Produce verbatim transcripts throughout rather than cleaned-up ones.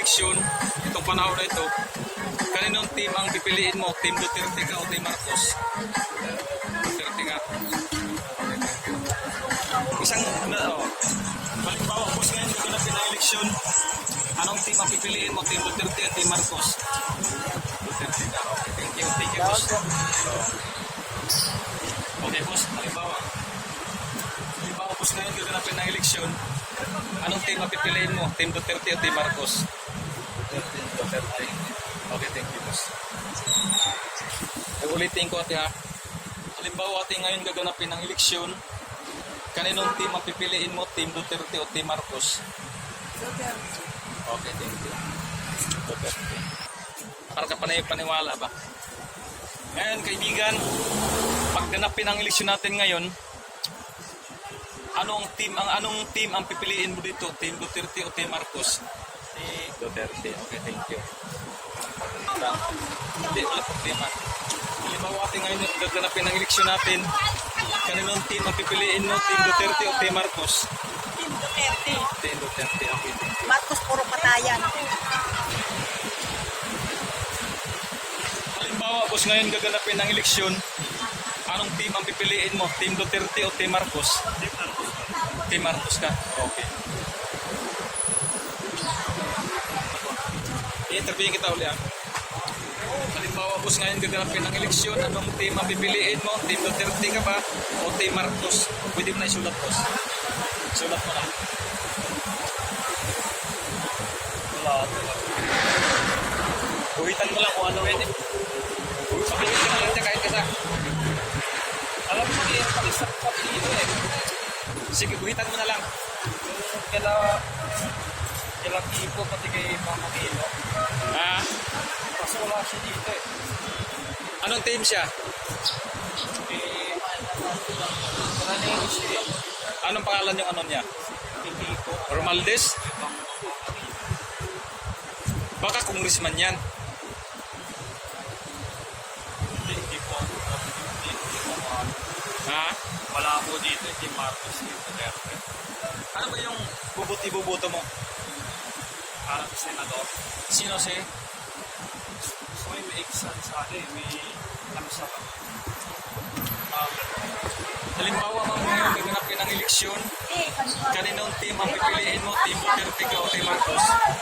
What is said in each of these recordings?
eleksyon, itong panahon na ito, kaninong team ang pipiliin mo? Team Duterte ka o Team Marcos? Duterte ka. Isang, na, oh, halimbawa, boss ngayon, gaganapin na eleksyon, anong team ang pipiliin mo? Team Duterte o Team Marcos? Duterte ka. Okay, thank you. Thank you, boss. Okay, boss, halimbawa. Halimbawa, boss ngayon, gaganapin na eleksyon, anong team ang pipiliin mo? Team Duterte o Team Marcos? Duterte. Duterte. Okay, thank you, boss. Ulitin ko, ate, ha? Halimbawa, ate, ngayon gaganapin ng eleksyon, kaninong team ang pipiliin mo? Team Duterte o Team Marcos? Duterte. Okay, thank you. Duterte. Para ka panay paniwala ba? Ngayon, kaibigan, pag ganapin ang eleksyon natin ngayon, anong team ang anong team ang pipiliin mo dito? Team Duterte o Team Marcos? Eh, Duterte. Okay, thank you. Hindi, wala problema. Halimbawa, ating ngayon gaganapin ang eleksyon natin, kaninong team ang pipiliin mo? Team Duterte o Team Marcos? Team Duterte. Team Duterte. Okay, thank you. Marcos puro patayan. Halimbawa, boss, ngayon gaganapin ang eleksyon, anong team ang pipiliin mo? Team Duterte o Team Marcos? Team Marcos. Team Marcos ka? Okay. I-interviewin kita uli, ah. Halimbawa, boss, ngayon gaganapin ang eleksyon, anong team ang pipiliin mo? Team Duterte ka ba o Team Marcos? Pwede mo na isulat, boss. Isulat mo lang. Wala. Uwitan mo lang kung ano. Pwede. Pakilit ka na lang siya kahit kasa. Alam mo, eh, pag-isang partido eh. Sige, uwitan mo na lang. Kala kala tipo pati kay Mama Kilo. Ah, Kasi wala siya dito eh. anong team siya? Eh, wala na yung siya. Anong pangalan yung ano niya? Hindi ko. Romaldes? Baka congressman yan. Hindi, hindi ko. Hindi, hindi ko ano. Ha? Wala po dito. Hindi Marcos yung Duterte. Ano ba yung bubuti-bubuto mo? Parang senador. Sino si? So may may exam sa akin. May ano sa Um, halimbawa, mga ngayon gaganapin ang eleksyon, kaninong team ang pipiliin mo? Team Duterte ka o Team Marcos?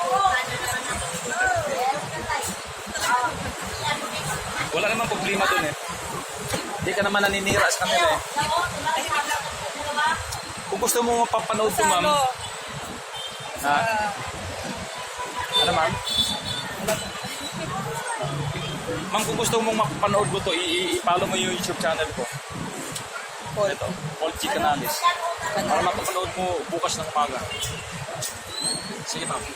Wala namang problema dun eh. Hindi ka naman naninira sa kanila eh. Kung gusto mo mapapanood ko, ma'am. Ha? Ano, ma'am? Ma'am, kung gusto mong mapapanood ko to, i-follow mo yung YouTube channel ko. Ito, Paul G. Canales. Para mapapanood mo bukas ng umaga. Sige, ma'am.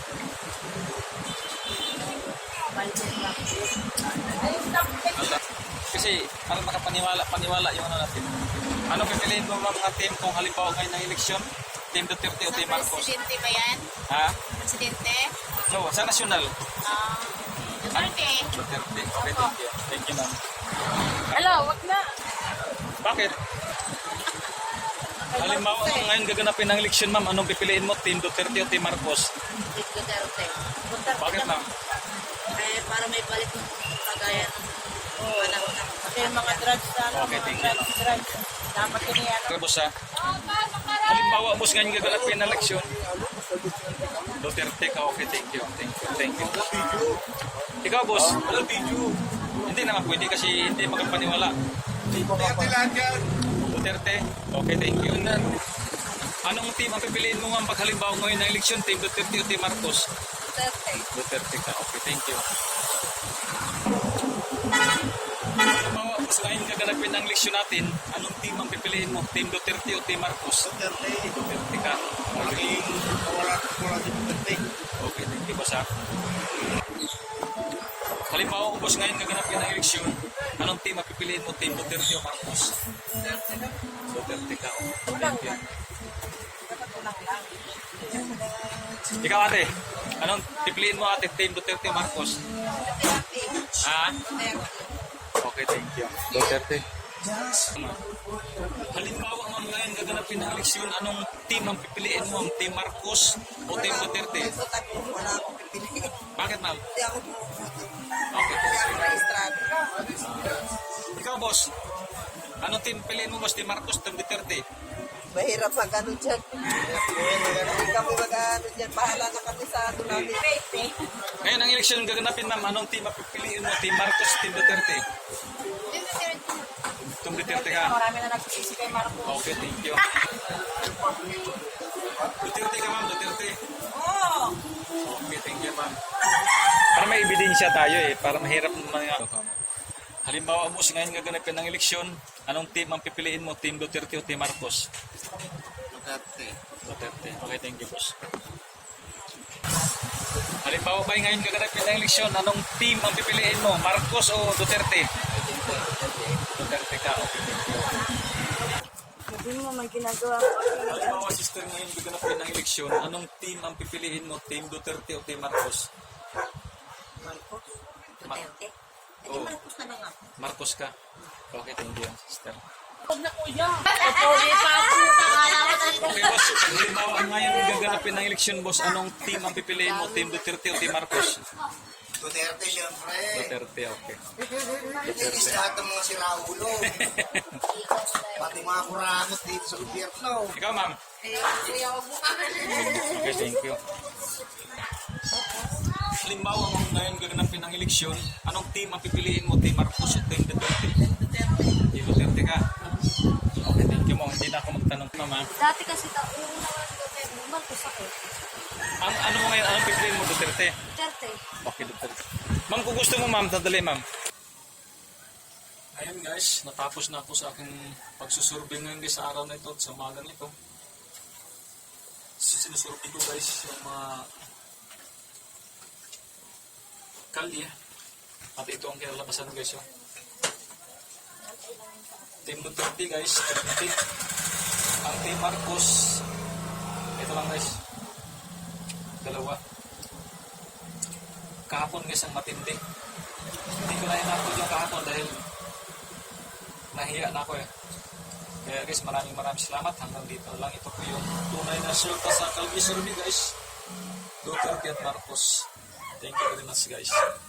Kasi, para makapaniwala, paniwala yung ano natin. Ano pipiliin mo ba mga team kung halimbawa ngayon ng eleksyon? Team Duterte o Team Marcos? Presidente ba yan? Ha? Presidente? No, sa nasyonal. Ah, Duterte. Duterte. Okay, thank you. Thank you, ma'am. Hello, wag na. Bakit? Halimbawa ngayon gaganapin ng eleksyon, ma'am, anong pipiliin mo? Team Duterte o Team Marcos? Duterte. Bakit, ma'am? Eh, para may balik ng kagaya ng panahon ng Kasi yung mga drugs na ano, Okay, mga thank you. drugs, drugs. Dapat yun yan. Okay, boss, ha? Halimbawa, boss, ngayon gaganapin ng eleksyon. Duterte ka, okay, thank you. Thank you, thank you. Ikaw, boss? Wala video. Hindi naman pwede kasi hindi magpaniwala. Duterte, okay, thank you. Anong team ang pipiliin mo nga pag halimbawa ngayon ng eleksyon? Team Duterte o Team Marcos? Duterte. Duterte ka, okay, thank you. Halimbawa, boss, ngayon gaganapin ng eleksyon natin, anong team ang pipiliin mo? Team Duterte o Team Marcos? Duterte. Duterte ka. Okay, Wala wala si Duterte. okay, thank you, boss, ha? Halimbawa, boss, ngayon gaganapin ng eleksyon, anong team ang pipiliin mo? Team Duterte o Marcos? Duterte ka, okay, thank you. Ikaw, ate, anong pipiliin mo, ate? Team Duterte o Marcos? Ha? Okay, thank you. Duterte. Halimbawa, ma'am, ngayon gaganapin ng eleksyon, anong team ang pipiliin mo? Ang Team Marcos o Team Duterte? Ito tayo, wala akong pipiliin. Bakit ma'am? Hindi ako pumuputo. Okay. Hindi ako rehistrado. Ikaw boss, anong team piliin mo boss? Team Marcos, Team Duterte? Mahirap mag ano dyan. Hindi kami mag ano dyan. Bahala na kami sa ano namin. Ngayon ang eleksyon gaganapin ma'am, anong team ang pipiliin mo? Team Marcos, Team Duterte? Team Duterte ka? Marami na nagsisisi kay Marco. Okay, thank you. Duterte ka ma'am, Duterte. Oo. Okay, thank you ma'am. Para may ebidensya tayo eh, para mahirap naman nga. Halimbawa mo, ngayon gaganapin ng eleksyon, anong team ang pipiliin mo? Team Duterte o Team Marcos? Duterte. Duterte. Okay, thank you boss. Halimbawa ba ngayon gaganapin ng eleksyon, anong team ang pipiliin mo? Marcos o Duterte? Duterte ka, okay, thank you. Hindi mo may ginagawa. Halimbawa sister ngayon gaganapin ng eleksyon, anong team ang pipiliin mo? Team Duterte o Team Marcos? Marcos? Duterte. Eh, Oo. Marcos na lang ako. Marcos ka. Okay, thank you sister. Huwag na kuya. Ito, di pa po. Okay boss, halimbawa ngayon gaganapin ng eleksyon boss, anong team ang pipiliin mo? Team Duterte o Team Marcos? Duterte, siyempre. Duterte, okay. Inis lahat ng mga siraulo. Pati mga kurakot dito sa gobyerno. Ikaw ma'am. Okay, thank you. Halimbawa mo ngayon gaganapin ng eleksyon, anong team ang pipiliin mo? Team Marcos o Team Duterte? Team Duterte ka. Okay, thank you mo. Hindi na ako magtanong mama. Dati kasi ta, yung naman Duterte, Marcos ako. Ang ano mo ngayon, anong pipiliin mo? Duterte? Duterte. Okay, Duterte. Ma'am, kung gusto mo ma'am, tadali ma'am. Ayan guys, natapos na ako sa aking pagsusurvey ngayon guys sa araw na ito, sa umaga na ito. Sinusurvey ko guys yung mga kalye. At ito ang kinalabasan guys yun. Team Duterte guys, thirty. Ang Team Marcos, ito lang guys. Dalawa. Kahapon guys ang matindi. Hindi ko na inapod yung kahapon dahil nahiya na ako eh. Kaya guys, maraming maraming salamat. Hanggang dito lang. Ito po yung tunay na resulta sa Calvi Survey guys. Duterte at Marcos. Thank you very much guys.